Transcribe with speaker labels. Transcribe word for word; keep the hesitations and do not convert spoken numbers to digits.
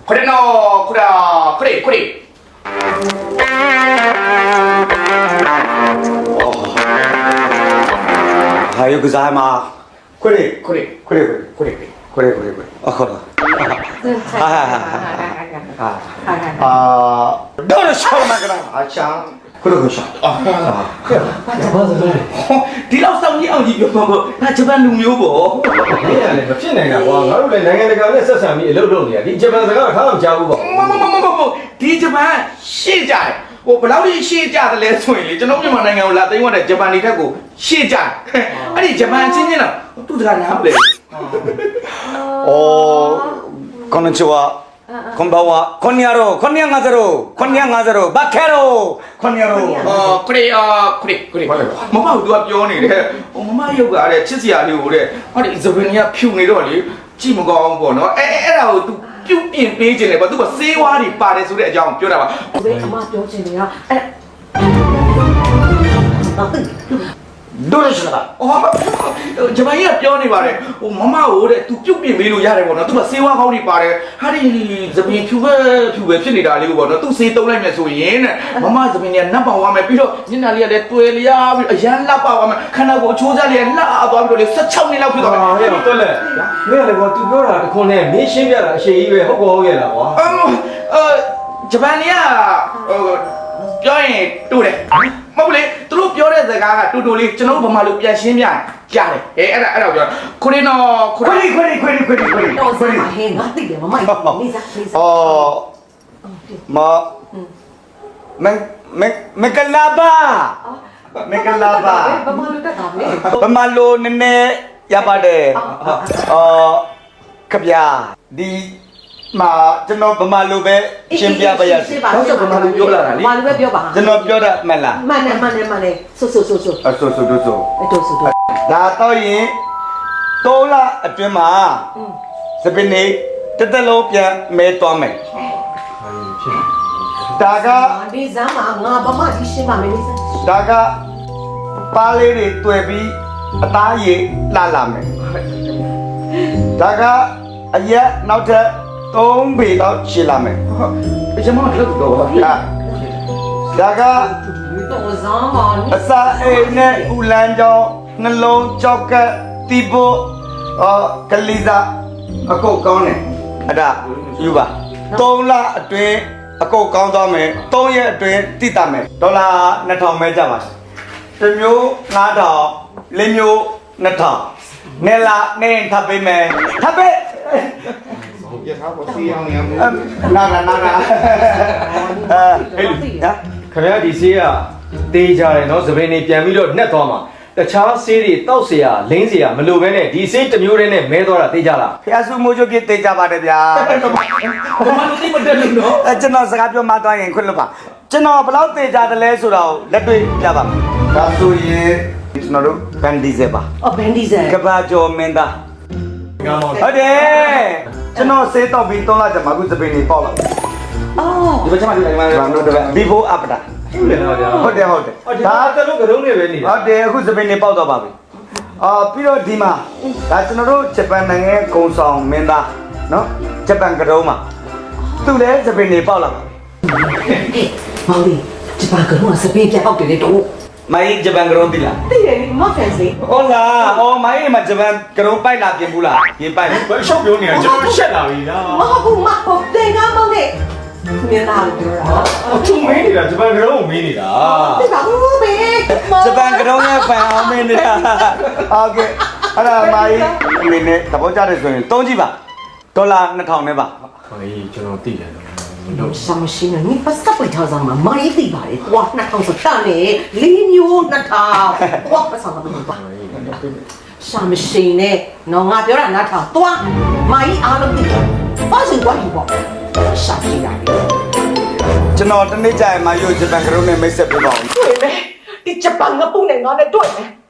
Speaker 1: これのこれこれこれ
Speaker 2: はよくざいまこれ
Speaker 1: これ
Speaker 2: これ
Speaker 1: これ
Speaker 2: これこれこれあこれあどうしようもないからあちゃんこれこれしょあ
Speaker 1: ဒီလောက်စောင်းကြီးအောင်ကြီးပြောမှာပေါ့ဒါဂျပန်လူမျိုးပေါ့
Speaker 3: မင်းကလည်းမဖြစ်နိုင်တာကွာငါတို့လည်းနိုင်ငံတကာနဲ့ဆက်ဆံပြီးအလုပ်လုပ်နေတာဒီဂျပန်စကားကထားမှမကြားဘူးပေါ့
Speaker 1: မမမမမဒီဂျပန်ရှေ့ကြတယ်ဟိုဘယ်လောက်ကြီးရှေ့ကြတယ်လဲဆိုရင်လေကျွန်တော်မြန်မာနိုင်ငံကိုလာသိမ်းသွားတဲ့ဂျပန်တွေတက်ကိုရှေ့ကြတယ်အဲ့ဒီဂျပန်ချင်းချင်းတော့သူတကားနားမလဲ
Speaker 2: おこんにちはこんばんはこんにゃろこんにゃがぜろこんにゃがぜろバケロこんにゃろ
Speaker 1: အော်ခရီအာခရီခရီမမတို့ကပြောနေတယ်ဟိုမမရုပ်ကတဲ့ချစ်စရာလေးကိုတဲ့ဟာဒီဇပန်ကြီးကဖြူနေတော့လေကြည့်မကောင်းဘူးပေါ့နော်အဲအဲ့ဒါကို तू ပြုတ်ပြင်ပေးခြင်းလေပေါ့ तू ကစေးဝါးတွေပါတယ်ဆိုတဲ့အကြောင်းပြောတာပါ
Speaker 4: ဘယ်အမပြောချင်နေတာအဲ့
Speaker 2: どうしようか
Speaker 1: အော်ဂျပန်ကြီးကပြောနေပါတယ်ဟိုမမကိုတဲ့ तू ပြုတ်ပြင်ပေးလို့ရတယ်ပေါ့နော် तू ကစေးဝါးကောင်းတွေပါတယ်ဟာဒီဇပန်ဖြူပဲဖြူပဲဖြစ်နေတာလေးကိုပေါ့နော် तू စေးတုံးလိုက်မယ်ဆိုရင်တဲ့မမဇပန်ကြီးကနတ်ပေါင်ဝါမယ်ပြီးတော့ညနာလေးကလည်းတွေ့လျားပြီးအရန်လှပဝါမယ်ခန္ဓာကိုယ်အချိုးစားလေးကလှသွားပြီးတော့လေสิบหกနှစ်လောက်ဖြစ်သွားမယ်
Speaker 3: ဟဲ့တော်လက်မင်းကလည်းကွာ तू ပြောတာတခွန်းနဲ့မင်းရှင်းပြတာအရှိကြီးပဲဟုတ်ကောဟုတ်ရဲ့လားကွာ
Speaker 1: အမ်အဲဂျပန်ကြီးကဟိုပြောရင်တူတယ်မဟုတ်လေသူတို့ပြောတဲ့စကားကတူတူလေးကျွန်တော်တို့ဗမာလူပြန်ရှင်းပြကြားတယ်အဲအဲ့ဒါအဲ့ဒါပြောခရီနော်ခ
Speaker 2: こ
Speaker 1: ရီ
Speaker 2: れこれこれこれこれ
Speaker 4: တော့
Speaker 2: こ
Speaker 4: ဆက်
Speaker 2: れ
Speaker 4: ပါဟင်းငါသိတယ်မမလေးစားလေးစား
Speaker 2: อ๋อมาเมเมเมกลาบาเมกลาบา
Speaker 4: ဘာမှလုပ်တတ်တာမလဲ
Speaker 2: ပမာလိုနည်းနည်းရပါတယ်အော်ခဗျာဒီမှာကျွန်တော်ပမာလိုပဲရှင်းပြပါရစေ
Speaker 1: တော့ကျွန်တော်ဗမာလူပြောလာတာလေ
Speaker 4: ဘာလို့ပဲပြောပါ
Speaker 2: ကျွန်တော်ပြောတတ်မှန်လား
Speaker 4: မှန်တယ်မှန်တယ်မှန်တယ်ဆိုဆိုဆိုဆို
Speaker 2: အဆိုဆိုတို့ဆို
Speaker 4: အဲ့တော့ဆိုတော့
Speaker 2: ဒါတော့ရင်သုံးလအတွင်းမှာစပင်းနေတစ်သက်လုံးပြန်မဲသွားမယ်ဒါက
Speaker 4: ဒီဇမ်းမှာငါဘာမှဒီရှင်းပါမယ်လေးစား
Speaker 2: ဒါကပါးလေးတွေတွေ့ပြီးအသားရည်လှလာမယ်ဒါကအရက်နောက်ထပ်သုံးပေလောက်ရှည်လာမယ်
Speaker 1: ကျွန်တော်တို့တော့ပါ
Speaker 2: ဒါဒါက
Speaker 4: တော့ဇမ်းပါ
Speaker 2: အစာအိမ်နဲ့ဥလန်းကြောင်းနှလုံးကြောက်ကပ်တီပိုအော်ကလီစာအကုတ်ကောင်းတယ်အဲ့ဒါယူပါသုံးလအတွင်းအကုတ်ကောင်းသွားမယ်သုံးရက်အတွင်းတိတတ်မယ်ဒေါ်လာနှစ်ထောင်ပဲကြပါတစ်မျိုးငါးထောင်လေးမျိုးနှစ်ထောင်နဲ့လာနေထပ်ပေးမယ်ထပ်ပေး
Speaker 1: ရထားပေါ်စီအောင်နေအောင်
Speaker 2: နာနာနာနာအဲဟဲ့ညာ
Speaker 3: ခင်ဗျားဒီဆေးကတေးကြတယ်နော်သပင်းနေပြန်ပြီးတော့နှက်သွားမှာတခြားဆေးတွေတောက်เสียလိမ့်เสียမလိုပဲနဲ့ဒီဆေးတစ်မျိုးတည်းနဲ့မဲသွားတာတေးကြလား
Speaker 2: ဖျားစုမိုးချိုပြတေးကြပါတယ်ဗျာ
Speaker 1: ဗမာလူသိမတက်လို့နော်
Speaker 2: အဲကျွန်တော်စကားပြောမှသွားရင်ခွင့်လွတ်ပါကျွန်တော်ဘယ်လောက်တေးကြတယ်လဲဆိုတော့လက်တွေ့ပြပါမယ်ဒါဆိုရင်ကျွန်တော်တို့ဘန်ဒီဇယ်ပါ
Speaker 4: အော်ဘန်ဒီဇယ်
Speaker 2: ကဘာကျော်မင်းသား
Speaker 3: ငါမောင်
Speaker 2: ဟုတ်တယ်ကျွန်တော်စေးတော့ပြီးသုံးလကြာမှအခုစပင်းနေပေါက်လာ
Speaker 4: အော်
Speaker 1: ဒီဘက်ချက်မှဒီမှာ
Speaker 2: ဘာလို့တော့ before after
Speaker 3: ဟုတ်တယ်နော်ဗျာ
Speaker 2: ဟုတ်တယ်ဟုတ်တယ်
Speaker 3: ဒါတလုံးကလုံးနဲ့ပဲနေတာ
Speaker 2: ဟုတ်တယ်အခုစပင်းနေပေါက်တော့ပါပြီအာပြီးတော့ဒီမှာဒါကျွန်တော်တို့ဂျပန်နိုင်ငံကုံဆောင်မင်းသားနော်ဂျပန်ကတုံးမှာသူလည်းစပင်းနေပေါက်လာပါ
Speaker 4: မောင်လေးဒီပါကတော့စပင်းပြောက်တယ်တော့
Speaker 2: မိုင်းဂျပန်ကတုံးပြီလား
Speaker 4: သိတယ်မဖန်စီ
Speaker 2: ဟုတ်လားအော်မိုင်းမှာဂျပန်ကတုံးပိုက်လာပြင်ဘူးလားပြင်ပိုက်
Speaker 3: ဘယ်ရှောက်ပြောနေတာကျွန်တော်ရှက်လာပြီလား
Speaker 4: မဟုတ်ဘူးမဟုတ်တင်ကားမောင်လေးမင်းသားပြောတာ
Speaker 3: အထုံမင်းနေတာဂျပန်ကလုံးကိုမင်းနေတာ
Speaker 4: ဒီပါဘူးဘေး
Speaker 2: ဂျပန်ကတုံးရဲ့ဖန်အောင်မင်းနေတာโอเคအဲ့ဒါမိုင်းအမင်းနဲ့သဘောကျတယ်ဆိုရင်သုံးကြည့်ပါဒေါ်လာနှစ်ထောင်နဲ့ပါ
Speaker 3: ဟေးကျွန်တော်သိတယ်နော်
Speaker 4: စမရှင်းနေပတ်စပ်ပိတ်ထားစမ်းမှာမိုင်းသိပါလေကွာနှစ်ထောင်စတာနေလေးမျိုးနှစ်ထောင်ကွာပတ်စံမလို့ပါရှာမရှင်းနဲ့နော်ငါပြောတာနှစ်ထောင်သွားမိုင်းအားလုံးသိပါစင်ကွာယူပေါ့ရှာကြည့်ရတယ်
Speaker 2: ကျွန်တော်တနေ့ကြာရင်မယိုဂျပန်ကတုံးနဲ့မိတ်ဆက်ပြပါအောင်
Speaker 4: တွေ့မယ်ဒီဂျပန်ကပုံနဲ့ငါနဲ့တွေ့မယ်